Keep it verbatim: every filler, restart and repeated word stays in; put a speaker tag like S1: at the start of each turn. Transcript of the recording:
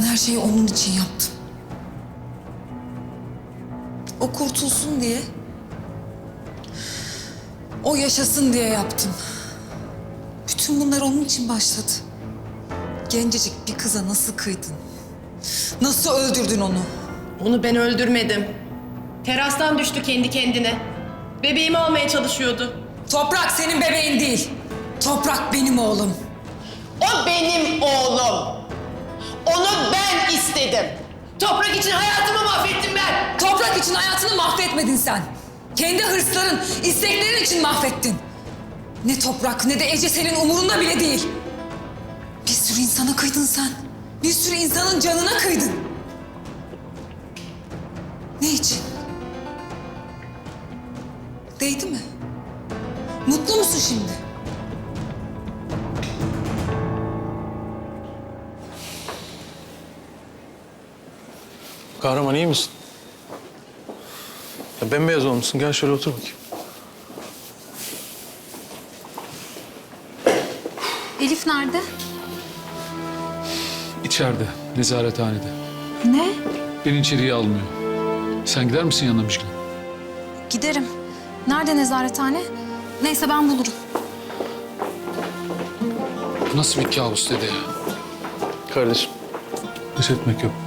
S1: her şeyi onun için yaptım. O kurtulsun diye, o yaşasın diye yaptım. Bütün bunlar onun için başladı. Gencecik bir kıza nasıl kıydın? Nasıl öldürdün onu?
S2: Onu ben öldürmedim. Terastan düştü kendi kendine. Bebeğimi almaya çalışıyordu.
S1: Toprak senin bebeğin değil. Toprak benim oğlum.
S2: O benim oğlum. Onu ben istedim. Toprak için hayatımı mahvettim ben.
S1: Toprak için hayatını mahvetmedin sen. Kendi hırsların, isteklerin için mahvettin. Ne toprak ne de Ece senin umurunda bile değil. Bir sürü insana kıydın sen. Bir sürü insanın canına kıydın. Ne için? Değdi mi? Mutlu musun şimdi?
S3: Kahraman iyi misin? Ya bembeyaz olmuşsun. Gel şöyle otur bakayım.
S4: Elif nerede?
S5: İçeride, nezarethanede.
S4: Ne?
S5: Beni içeriye almıyor. Sen gider misin yanına Müjgan?
S4: Giderim. Nerede nezarethane? Neyse ben bulurum.
S5: Bu nasıl bir kabus dede ya?
S3: Kardeşim.
S5: Pes etmek yok.